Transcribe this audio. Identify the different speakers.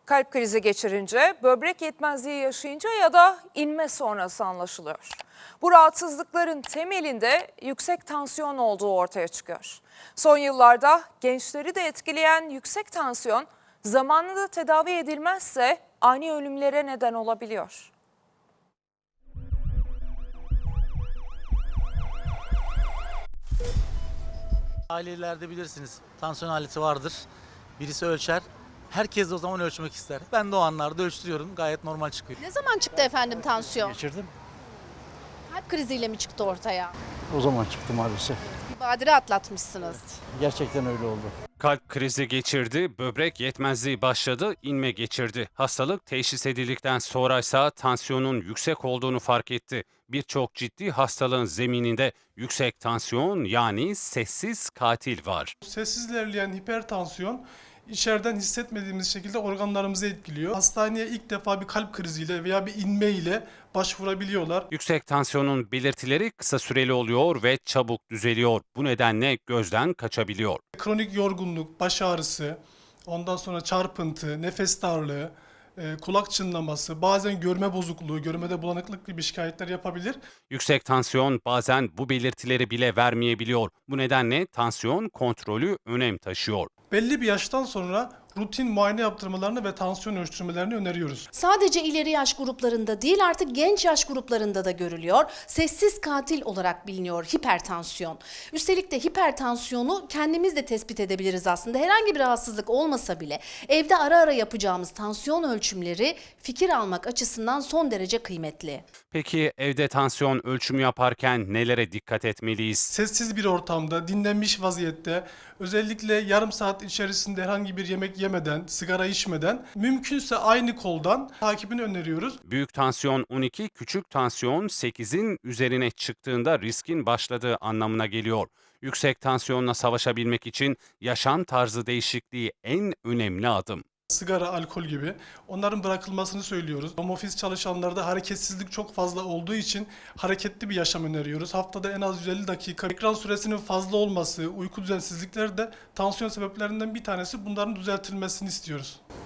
Speaker 1: Kalp krizi geçirince, böbrek yetmezliği yaşayınca ya da inme sonrası anlaşılıyor. Bu rahatsızlıkların temelinde yüksek tansiyon olduğu ortaya çıkıyor. Son yıllarda gençleri de etkileyen yüksek tansiyon zamanında tedavi edilmezse ani ölümlere neden olabiliyor.
Speaker 2: Ailelerde bilirsiniz tansiyon aleti vardır. Birisi ölçer. Herkes de o zaman ölçmek ister. Ben de o anlarda ölçtürüyorum. Gayet normal çıkıyor.
Speaker 3: Ne zaman çıktı efendim tansiyon?
Speaker 4: Geçirdim.
Speaker 3: Kalp kriziyle mi çıktı ortaya?
Speaker 4: O zaman çıktı maalesef.
Speaker 3: Bir badire atlatmışsınız.
Speaker 4: Gerçekten öyle oldu.
Speaker 5: Kalp krizi geçirdi, böbrek yetmezliği başladı, inme geçirdi. Hastalık teşhis edildikten sonra ise tansiyonun yüksek olduğunu fark etti. Birçok ciddi hastalığın zemininde yüksek tansiyon yani sessiz katil var.
Speaker 6: Sessiz ilerleyen hipertansiyon içeriden hissetmediğimiz şekilde organlarımızı etkiliyor. Hastaneye ilk defa bir kalp kriziyle veya bir inme ile başvurabiliyorlar.
Speaker 5: Yüksek tansiyonun belirtileri kısa süreli oluyor ve çabuk düzeliyor. Bu nedenle gözden kaçabiliyor.
Speaker 6: Kronik yorgunluk, baş ağrısı, ondan sonra çarpıntı, nefes darlığı, kulak çınlaması, bazen görme bozukluğu, görmede bulanıklık gibi şikayetler yapabilir.
Speaker 5: Yüksek tansiyon bazen bu belirtileri bile vermeyebiliyor. Bu nedenle tansiyon kontrolü önem taşıyor.
Speaker 6: Belli bir yaştan sonra rutin muayene yaptırmalarını ve tansiyon ölçtürmelerini öneriyoruz.
Speaker 3: Sadece ileri yaş gruplarında değil artık genç yaş gruplarında da görülüyor. Sessiz katil olarak biliniyor hipertansiyon. Üstelik de hipertansiyonu kendimiz de tespit edebiliriz aslında. Herhangi bir rahatsızlık olmasa bile evde ara ara yapacağımız tansiyon ölçümleri fikir almak açısından son derece kıymetli.
Speaker 5: Peki evde tansiyon ölçümü yaparken nelere dikkat etmeliyiz?
Speaker 6: Sessiz bir ortamda, dinlenmiş vaziyette, özellikle yarım saat içerisinde herhangi bir yemek yemeden, sigara içmeden, mümkünse aynı koldan takibini öneriyoruz.
Speaker 5: Büyük tansiyon 12, küçük tansiyon 8'in üzerine çıktığında riskin başladığı anlamına geliyor. Yüksek tansiyonla savaşabilmek için yaşam tarzı değişikliği en önemli adım.
Speaker 6: Sigara, alkol gibi onların bırakılmasını söylüyoruz. Home office çalışanlarda hareketsizlik çok fazla olduğu için hareketli bir yaşam öneriyoruz. Haftada en az 150 dakika ekran süresinin fazla olması, uyku düzensizlikleri de tansiyon sebeplerinden bir tanesi. Bunların düzeltilmesini istiyoruz.